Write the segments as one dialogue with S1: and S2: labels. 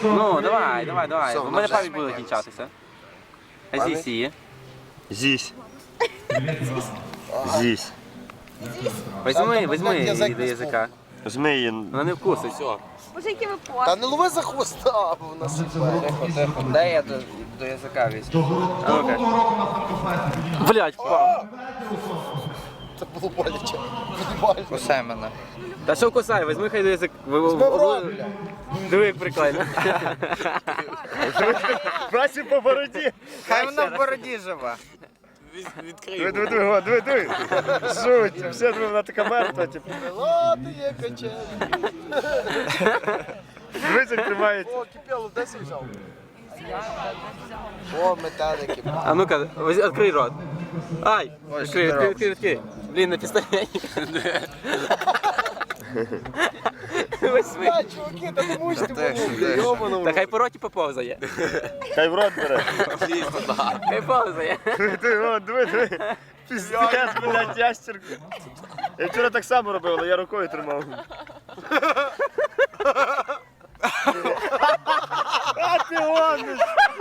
S1: Ну, давай.
S2: Все,
S1: У
S2: вона
S1: мене
S2: вже
S1: пам'ять буде
S2: сміється.
S1: кінчатися. Зі.
S3: Зісь. Зісь.
S1: Візьми
S2: язик
S1: її до язика.
S3: Візьми її.
S1: Вона не вкусить.
S4: Боже, які ви
S2: Та
S4: пост.
S2: не лови за хвоста, бо вона сипає.
S1: Тихо. Дай я до язика візьму. Блять, впав.
S2: Це було боляче. Підбальне.
S1: Кусай мене. Та що кусай, візьми хай до язик. Диви, як прикольно.
S3: Васі по бороді.
S1: Хай вона в бороді жива.
S3: Диви. Жуть. Все, вона така мертва, типу.
S2: Ладно, є качелі.
S3: Дивись, як тримають.
S2: О, кипело, де си взяв? О, металики.
S1: А ну-ка, відкрий рот. Ай! Відкрий. Блін, на пістолеті. Возьми.
S2: А, чуваки, та не мучте мене. Йобану.
S1: Та хай по роті поповзає.
S3: Хай в рот бере.
S1: Хай повзає.
S3: Диви. Піздець, блядь, ящерку. Я вчора так само робив, але я рукою тримав. А ти гониш!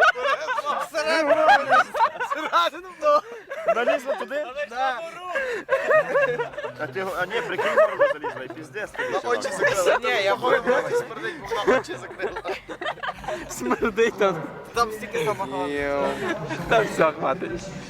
S3: Налізла туди?
S2: Да.
S3: А ні, прикинь, горло залізла, і піздець тобі.
S2: Очі закрила. Ні, я маю очі смердить, бо вона очі закрила.
S1: Смердить там.
S2: Там стільки самого.
S1: Там все, хватить.